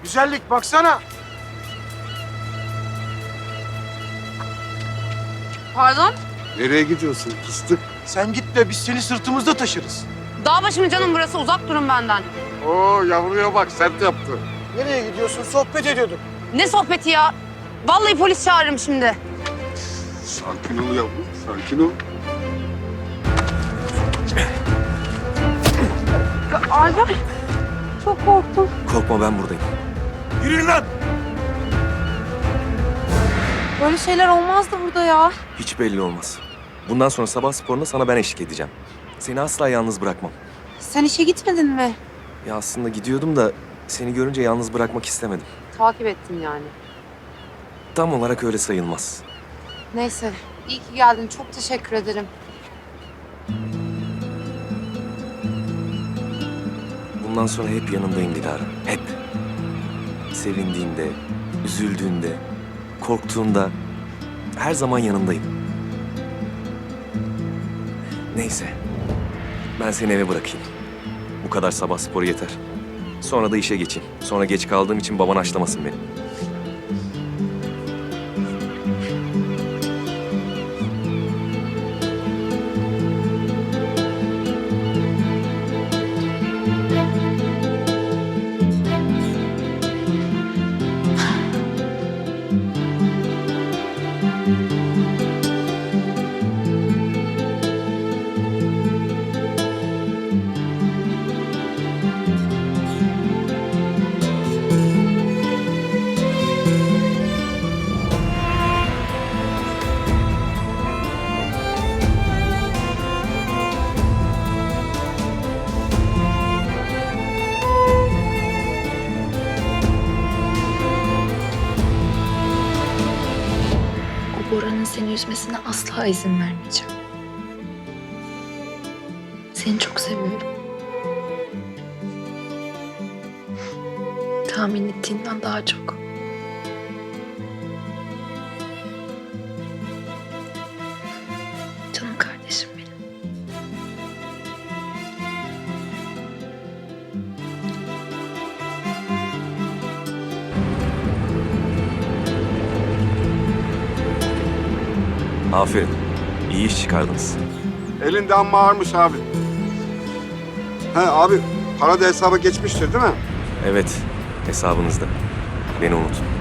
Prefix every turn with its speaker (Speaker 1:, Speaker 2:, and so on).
Speaker 1: Güzellik baksana.
Speaker 2: Pardon?
Speaker 3: Nereye gidiyorsun fıstık?
Speaker 1: Sen git de biz seni sırtımızda taşırız.
Speaker 2: Dağ başı mı canım burası? Uzak durun benden.
Speaker 3: Oo yavruya bak sert yaptı.
Speaker 1: Nereye gidiyorsun? Sohbet ediyorduk.
Speaker 2: Ne sohbeti ya? Vallahi polis çağırırım şimdi.
Speaker 3: Sakin ol yavrum, sakin ol.
Speaker 2: Alper, çok korktum.
Speaker 4: Korkma, ben buradayım.
Speaker 1: Yürüyün lan.
Speaker 2: Böyle şeyler olmazdı burada ya.
Speaker 4: Hiç belli olmaz. Bundan sonra sabah sporuna sana ben eşlik edeceğim. Seni asla yalnız bırakmam.
Speaker 2: Sen işe gitmedin mi?
Speaker 4: Ya aslında gidiyordum da seni görünce yalnız bırakmak istemedim.
Speaker 2: Takip ettin yani.
Speaker 4: Tam olarak öyle sayılmaz.
Speaker 2: Neyse, iyi ki geldin. Çok teşekkür ederim.
Speaker 4: Bundan sonra hep yanındayım Dilara. Hep. Sevindiğinde, üzüldüğünde, korktuğunda her zaman yanındayım. Neyse. Ben seni eve bırakayım. Bu kadar sabah sporu yeter. Sonra da işe geçeyim. Sonra geç kaldığım için baban haşlamasın beni.
Speaker 5: O Bora'nın seni üzmesine asla izin vermeyeceğim. Seni çok seviyorum. Tahmin ettiğinden daha çok. Canım kardeşim benim.
Speaker 4: Aferin. İyi iş çıkardınız.
Speaker 3: Elinde amma ağırmış abi. He abi, para da hesaba geçmiştir değil mi?
Speaker 4: Evet, hesabınızda. Beni unutun.